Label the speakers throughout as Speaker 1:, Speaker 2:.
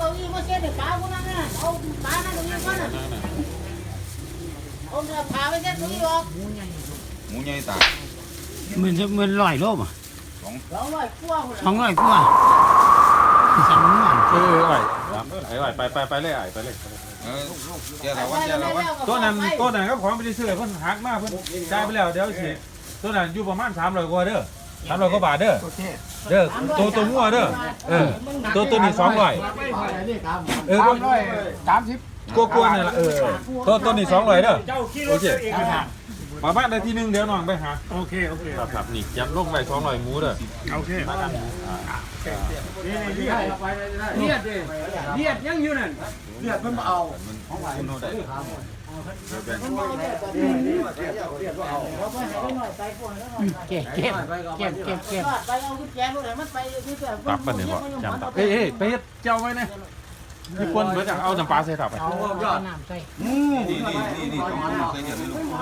Speaker 1: อี้มาเช็ดเด็กปลาพวกนั้นน่ะเอาปลานั่นตรงนี้ก่อนน่ะเอาเนื้อปลาไปเช็ดตรงนี้ออก
Speaker 2: หมูใหญ่ตา
Speaker 3: มันลอยโลบ่
Speaker 1: 200กว่าพุ่น
Speaker 3: 200กว่าสั่งมัน
Speaker 4: ไอ้ไปเลยไอ้ไปเลย
Speaker 2: เจ้าเราวัน
Speaker 4: ตัวนั้นก็ของไปซื้อเพิ่นหักมาเพิ่นจ่ายไปแล้วเดี๋ยวสิตัวนั้นอยู่ประมาณ300กว่าเด้อ300กว่าบาทเด้อตัวงัวเด้อตัวนี้200330กว่าๆนี่ล่ะตัวนี้200เด้อโอเคมาบ้านได้ทีนึงเดี๋ยวน้องไปหาโอเคครับนี่ยับลงไป200หมูเด้อโอเค
Speaker 5: เลียดยังอยู่นั่น
Speaker 2: เลือดมันเอา
Speaker 4: คุณโนได้
Speaker 3: เก็บ
Speaker 1: ไปเอากุญแจรถให้มันไปที่เสื้อ
Speaker 4: ตับมันเนี่ยบ่จำตับเฮ้ยไปเฮ็ดเจ้าไว้นะมีคนเหมือนจะเอาน้ำปลาใส่ตับไป
Speaker 3: เอาน้ำใส่
Speaker 2: นี่ใส่เยอะเลยลูก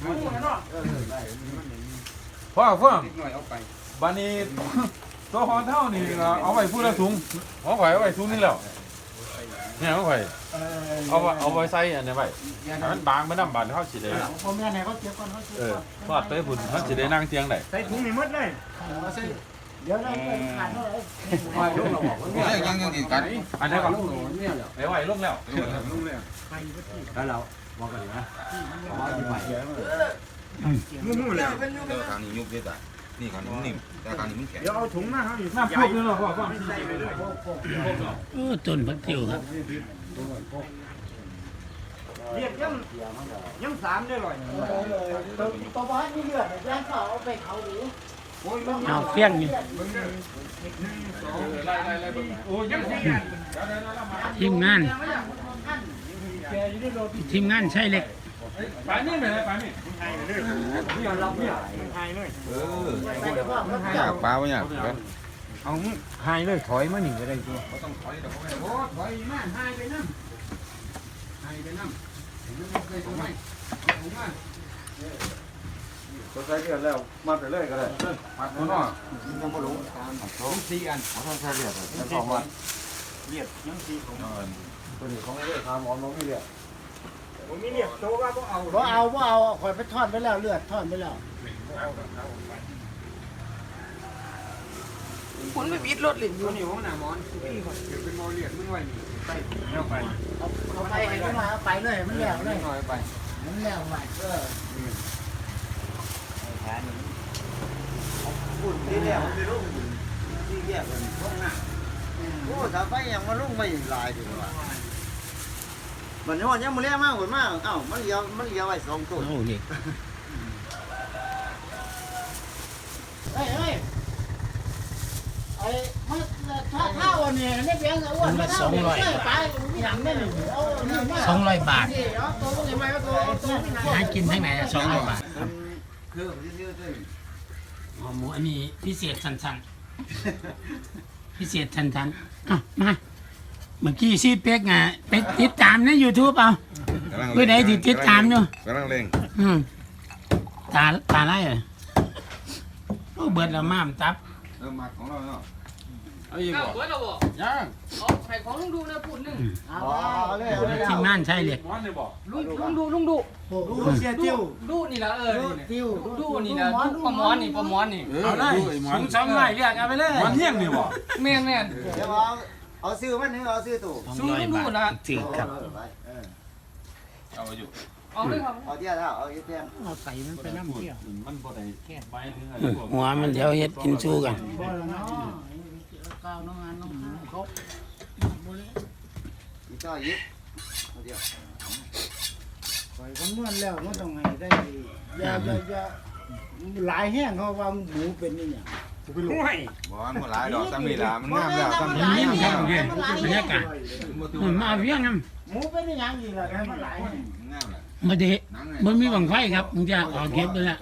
Speaker 4: พ่อเฟื่องบัดนี้ตัวหอนเท่านี่เอาไว้พูดละถุงเอาไว้ถุงนึงแล้วเนี่ยเอาไว้เอาไว้ใส่อันนี้ไว้ให้มันบางมันน้ำบานเขาสิได้
Speaker 1: ผมเนี่ยไหนเขาเก็บก่อนเขาเก็บก่อน
Speaker 4: ทอดไปพุ่นเขาสิได้นั่งเตียงได้
Speaker 5: ใส่ถุงนี่หมดเลย
Speaker 1: เดี๋ยวเราไปขาดเท่าไหร่
Speaker 2: ยังกินกัน
Speaker 4: อันนี้ก่อนไว้ลงแล้ว
Speaker 5: มู่ๆแล้ว
Speaker 2: ทางนี้ยุบเลยตานี่ทางนี้นิ่มแต่ทางนี้มันแข็ง
Speaker 5: เดี๋ยวเอาถุงมาเฮาอีก
Speaker 4: น้ำพุนี่เนาะพ่อ
Speaker 3: ต้นพักติ๋วครับ
Speaker 5: เลียดยัง3ได้ร่อย
Speaker 1: ตัวบ้านมีเลือดย่างเขาเอาไปเขาหรือ
Speaker 3: เอาเฟี้ยงอยู่
Speaker 4: โอ้ยังสิ
Speaker 3: ทีมงานใช่เล็ก
Speaker 4: ปานนี่ไปเลยปานนี่
Speaker 5: เนี่ยรับเนี่ยหายเลย
Speaker 2: อยากปลาไม่อยาก
Speaker 5: เอาหายเลยถอยมาหนีก็ได้ตัว
Speaker 2: ต้องถอยเดี๋ยวเขาไม่
Speaker 5: โอ้ถอยมาหายไปน้ำตัวใส่เลือดแล้วมาไปเลยก็ได้
Speaker 2: มัดมันเนาะ
Speaker 5: ยังบ่รู้4อันเขาใส่เลือดแล้ว2วันเลือดยัง4ของตัวนี้ของไอ้เลือดทำหมอบ่มีเลือดบ่มีเลือดโตว่าบ่เอา
Speaker 1: บ่เอาข่อยไปทอดไปแล้วเลือดทอดไปแล้ว
Speaker 5: คุณไม่ปิดรถเลยอยู่นี่ของหน้ามอนพี่ก่อนเดี๋ยวเป็นหมอเลือดมึงไว้นี่ไปเอาไป
Speaker 1: เอาไปให้มันมาเอาไปเลยมันแล้วเลย
Speaker 5: น้อยไป
Speaker 1: มันแล้วไป
Speaker 6: ปุ่นที่แล้วไม่รู้ที่แยกกันห้องหน้าโอ้ถ้าไปยังมาลุ่งไม่ลายดีกว่ามันว่ายังมาเลี้ยมากกว่ามาเอ้ามันเลี้ยวไว้2ตัว
Speaker 3: โอ้เล็ก
Speaker 1: เฮ้ยไอ้มันถ้าวันนี้นี่เพียงอ้วนมาเท่านี้ไปมีหนังนี่เอา
Speaker 3: 200 บาท
Speaker 1: เอาตัวนี้มาเอาตัว
Speaker 3: หากินทั้งไหน200 บาทครับ
Speaker 6: คือซื้อตัว
Speaker 3: หมูอันนี้พิเศษสั้นๆพิเศษสั้นๆมาเมื่อกี้ซีเป็กไงไปติดตามใน YouTube เอาเพื่อใดที่ติดตามอยู่
Speaker 2: กำลังเร่ง
Speaker 3: ตาไล่เลยโอ้เบิดละม่ามตับ
Speaker 2: มัดของเราเนาะ
Speaker 4: เอาอีกบ่
Speaker 5: เราบอก
Speaker 4: ยัง
Speaker 5: ใครของลุงดูนะพูดนึง
Speaker 6: เอาเลย
Speaker 3: ทีมงานใช่เล็ก
Speaker 4: ม้อนนี่บ่
Speaker 5: ลุงดู
Speaker 6: ดูเสียจิ้ว
Speaker 5: ดูนี่ละ
Speaker 1: ติ้ว
Speaker 5: ดูนี่นะดูปลาหมอนนี่
Speaker 3: เอาเลยสูง200เรียกเอาไปเลย
Speaker 4: มันเฮี้ยงนี่บ่
Speaker 5: แม่น
Speaker 6: เดี๋ยวเอาซื้อมันนึงเอาซื้อตัว
Speaker 3: 200 บาทถือครับ
Speaker 4: เอาอยู่
Speaker 5: เอาเลยครับ
Speaker 6: เอาเที่ยวเท่าเอาเที่ยว
Speaker 3: เอาใส่มันไปน้ำเที่ยว
Speaker 4: มันบ่ได้ไปถึง
Speaker 3: หัวมันเดี๋ยวเฮ็ดกินสู้กัน
Speaker 1: บ่ละเนาะก้าวน้องงานน้องเขา
Speaker 6: อีกต่อยิบเอาเที่ยว
Speaker 1: ปล่อยคนเมื่อนแล้วมันต้องให้ได้อย่าหลายแห้งเขาว่าหมูเป็นนี่เนี่ย
Speaker 5: ห่วย
Speaker 2: บ่มันหลายดอกซ้ำนี่ล่ะมันงามแล้วซ้ำ
Speaker 3: มันเลี้ยงครับเพื่อนบรรยากาศมาเวียงครับ
Speaker 1: หมูเป็นอย่างนี้แหละมันหลายแห้ง
Speaker 2: งามแล้ว
Speaker 3: มาเดะมันมีบังไฟครับมึงจะออกเก็บไปแล้ว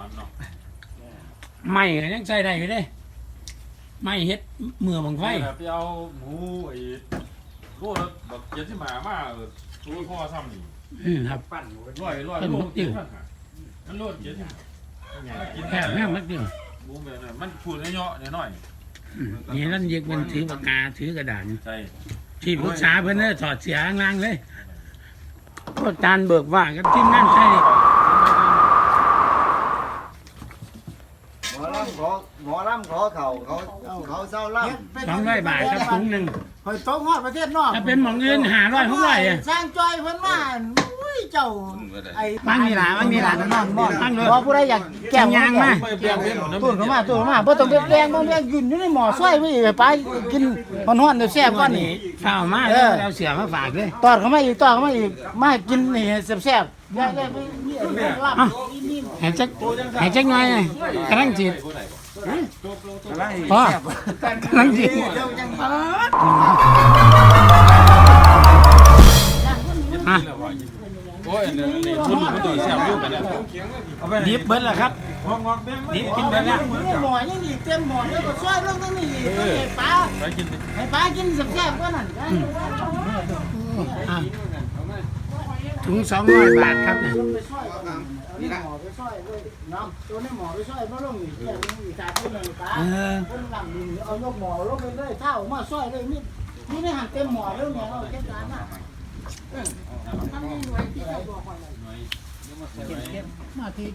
Speaker 3: ไม่ก็ยังใส่ได้อยู่เด้ไม่เฮ็ดเมื่อบังไฟ
Speaker 4: ไปเอาหมูไอ้ตัวแบบเจ็ดที่มาตัวพ่อซ้ำนี่
Speaker 3: ครับ
Speaker 5: ปั่น
Speaker 4: ร้อยมันโลดเจ็ดกิน
Speaker 3: แค่แม่มักเดียว
Speaker 4: หมูแบบนั้นมันพูดเนาะหน่อย
Speaker 3: นี่นั่นเยกมันถือปากกาถือกระดาษ
Speaker 4: ใช่
Speaker 3: จที่ปรึกษาเพิ่นเด้อถอดเสียข้างล่างเลยพวกจานเบิกว่ากับทีมงานใช่
Speaker 6: หมอลำขอเขาเศร้าล่ำ
Speaker 3: 200 บาทครับถุงหนึง
Speaker 1: คอยต้องฮอดประเทศนอก
Speaker 3: ถ้าเป็นหม่องอื่น500 600อ่ะ
Speaker 1: สร้างจอยเพิ่นมาอุ้ยเจ้าไอ้
Speaker 3: บางนี่ล่ะ
Speaker 1: นอน
Speaker 3: ตั้งเลย
Speaker 1: บ่ผู้ใดอยากแก้
Speaker 3: ยางมา
Speaker 1: ตู้เข้ามาบ่ต้องแดงบ่แม่ยืนอยู่ในหม้อซอยไว้ไปกินฮ้อนๆแซ่บๆก่อนนี่
Speaker 3: ข้าวมาแล้วเอาเสือมาฝากเลย
Speaker 1: ตอดเข้ามาอีกมากินนี่แซ่บๆอย่าไปนี่ลาบนี่
Speaker 3: ให้จักหน่อยกำลังจิตพอกำลังจิต อ่ะ
Speaker 4: โอ้ยนี่คุณมันตัวแซ่บอยู่กันเนี่ยเอาไป
Speaker 3: ดิบเบิดแล้วครับ
Speaker 4: งอกๆแม่ง
Speaker 3: ดิบกินเบิดแล้ว
Speaker 1: หม้อยังอีกเต็มหม้อแล้วก็ซอยลงตรงนี้ให้ปลา
Speaker 4: ไปกิน
Speaker 1: ให้ปลากินแซ่บๆกว่านั้น
Speaker 3: อ่ะถุง200 บาทครับเนี่ย
Speaker 1: ไปซอยนี่หม้อไปซอยเลยเนาะตัวนี้หม้อไปซอยบ่ลงอีกอย่างนึงอีกตาคนนึงปลาคนหลังนี่เอายกหม้อลงไปเลยเท่ามาซอยเลยนี่ได้หันเต็มหม้อแล้วเนี่ยเอาเก็บจานมาทำนี่หน่วยที่เราบอกก่อนเก็บมาที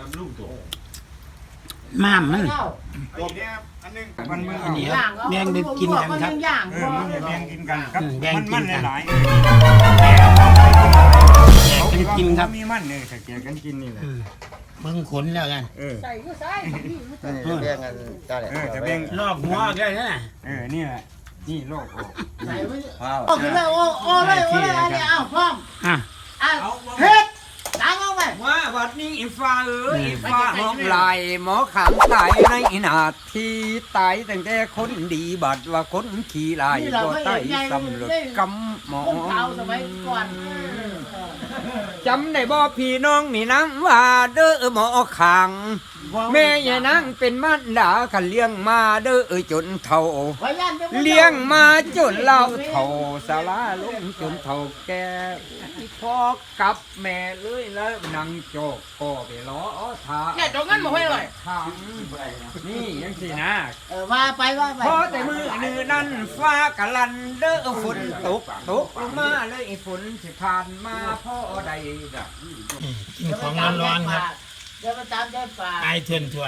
Speaker 3: ม่ามมัน
Speaker 1: เท่า
Speaker 3: อันนี้ครับแบ่งไปกินกันครับ
Speaker 1: ย่าง
Speaker 5: แบ่งกินกันครับ
Speaker 3: แบ่งกินกัน
Speaker 5: หลาย
Speaker 3: แยกกันกินครับ
Speaker 5: มีมันเนี่ยแกกันกินนี่แหละ
Speaker 3: เบิ่งขนแล้วกัน
Speaker 1: ใส่ก็ใส่
Speaker 6: นี่แบ่งกันจ้าเลย
Speaker 5: จะแบ่ง
Speaker 3: ลอกหัวได้นะ
Speaker 5: นี่แหละนี่โลก
Speaker 1: ใส่ไว้โอ้คือเลยโอ้เลยอันนี้อ้าวพร้อม
Speaker 3: อ่ะ
Speaker 1: เฮ็ดล้างเอาไป
Speaker 7: ว่าวัดนี้อีฟ้าเอ้ยอีฟ้าห้องลายหมอขามตายในนาทีตายตั้งแต่คนดีบัดว่าคนขี้ลายบ่ตายสำเร็จกำหมอ
Speaker 1: คนเก่าสมัยก่อน
Speaker 7: จำได้บ่พี่น้องนี่นังว่าเด้อหมอขังแม่ยายนางเป็นมันดาขันเลี้ยงมาเด้อจนเฒ่าเลี้ยงมาจนเล่าเฒ่าสาราลงจนเฒ่าแก่พ่อกับแม่เลยแล้วนางโจกก็ไปล้อทาเนี่ยจงงั้นบ่ให้เลยทางนี่ยังสินะ
Speaker 1: ว่าไป
Speaker 7: พอแต่มือนือนั่นฟ้ากะลันเด้อฝนตกลงมาเลยฝนสิผ่านมาพ่อใดดะ
Speaker 3: กินของร้อนๆครับ
Speaker 1: เดี๋ยวมาตามได้ป่า
Speaker 3: ไอเทือนทวน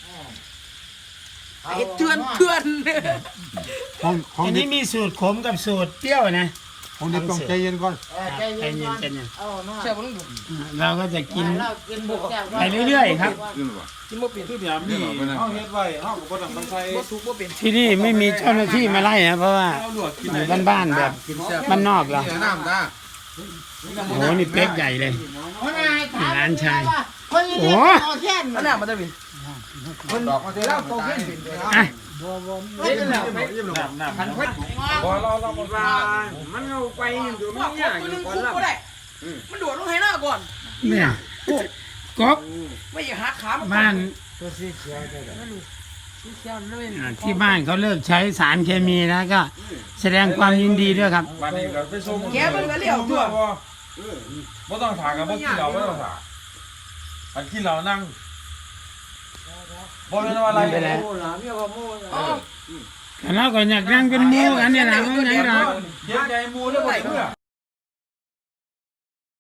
Speaker 7: ไอ้เทือนเทือน
Speaker 3: อันนี้มีสูตรขมกับสูตรเปรี้ยวนะ
Speaker 5: ผมเด็กต้องใจเย็นก่อน
Speaker 1: ใจเย็นก่อนเอาเนาะ
Speaker 3: เราก็จะกิน
Speaker 1: เรากินบุกแก้ว
Speaker 3: ไปเรื่อยๆครับ
Speaker 4: คือเดี๋ยวนี่เฮาเฮ็ดไว้เฮาก็บ่ต้องมันใส่
Speaker 3: ที่นี่ไม่มีเจ้าหน้าที่มาไล่นะเพราะว่า
Speaker 4: เอาลวกกิน
Speaker 3: อยู่บ้านๆแบบบ้านนอกเรา
Speaker 2: น้ำตา
Speaker 3: โอ้โหนี่เป๊กใหญ่เลย ร้านชาย
Speaker 1: คนนี้เอาแค่น
Speaker 7: อันนั้นมันจะเป็น
Speaker 2: ดอกมาเท่าแล้วตาย
Speaker 3: อ่ะ
Speaker 7: เล่นแล้วไป
Speaker 4: น้ำ
Speaker 7: พันเพชร
Speaker 4: บ่เราบ่
Speaker 7: ว่ามันเอาไปอยู่มันยากอยู่ก่อนละ
Speaker 8: มันโดดลงให้หน้าก่อน
Speaker 3: เนี่ยก๊อก
Speaker 8: ไม่อยากหักขามัน
Speaker 3: บ้าน
Speaker 7: เชี่ยวเลย
Speaker 3: ที่บ้านเขาเลิกใช้สารเคมีแล้วก็แสดงความยินดีด้วยครับ
Speaker 4: บัดนี้ก็ไปส่ง
Speaker 8: แกมันก็เลี้ยวตัว
Speaker 4: บ่ต้องถากันบ่กินเหล้าบ่ต้องถาอันกินเหล้านั่งบ่เป็นว่าอะไร
Speaker 3: ไม่เป็นไร แล้วก็อยากนั่งเป็นหมูกันเนี่ยนะว่าไงล่ะ
Speaker 4: เฮ็ดใหญ่หมู่แล้วบ่เชื่อ